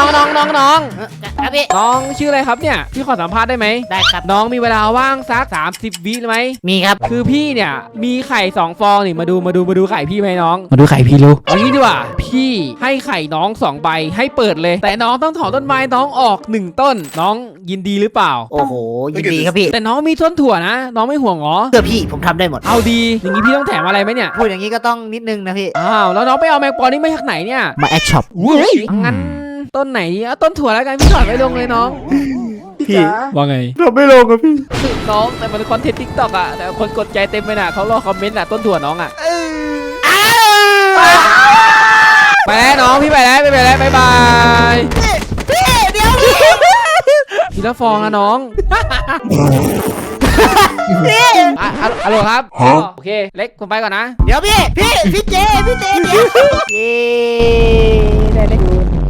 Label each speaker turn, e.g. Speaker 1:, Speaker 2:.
Speaker 1: ครับพี่
Speaker 2: น้องชื่ออะไรครับเนี่ยพี่ขอสัมภาษณ์ได้ไหม
Speaker 1: ได้ครับ
Speaker 2: น้องมีเวลาว่างสัก30 วิไหม
Speaker 1: มีครับ
Speaker 2: คือพี่เนี่ยมีไข่2 ฟองนี่มาดูไข่พี่ไหมน้องมาดูไข่พี่รู้เอางี้ดีกว่าพี่ให้ไข่น้อง2 ใบให้เปิดเลยแต่น้องต้องถอนต้นไม้น้องออก1 ต้นน้องยินดีหรือเปล่า
Speaker 1: โอ้โหยินดีครับพี่
Speaker 2: แต่น้องมีต้นถั่วนะน้องไม่ห่วงหรอ
Speaker 1: เพื่อพี่ผมทำได้หมด
Speaker 2: เอาดีอย่างนี้พี่ต้องแถมอะไรไหมเนี่ย
Speaker 1: พูดอย่างนี้ก็ต้องนิดนึงนะพี่
Speaker 2: อ้าวแล้วน้องไปเอาแมงปอนี่มาจากไหนเนี่ย
Speaker 1: มาแอคช็อป
Speaker 2: งั้นต้นไหนเอาต้นถั่วแล้วกันพี่ถอดไว้ลงเลยน้อง
Speaker 1: พี่
Speaker 2: ว่าไง
Speaker 1: ทำไม่ลงครับพี่
Speaker 2: น้องแต่มันคอนเทนต์ทิกตอกอะแต่คนกดใจเต็มไปน่ะเขารอคอมเมนต์อะต้นถั่วน้องอะไปแล้วน้องพี่ไปแล้วบ๊ายบาย
Speaker 1: พี่เดี๋ยว
Speaker 2: ทีละฟองนะน้องฮัลโหลครับโอเคเล็กผมไปก่อนนะ
Speaker 1: เดี๋ยวพี่เจเดี๋ยวได้เล็ก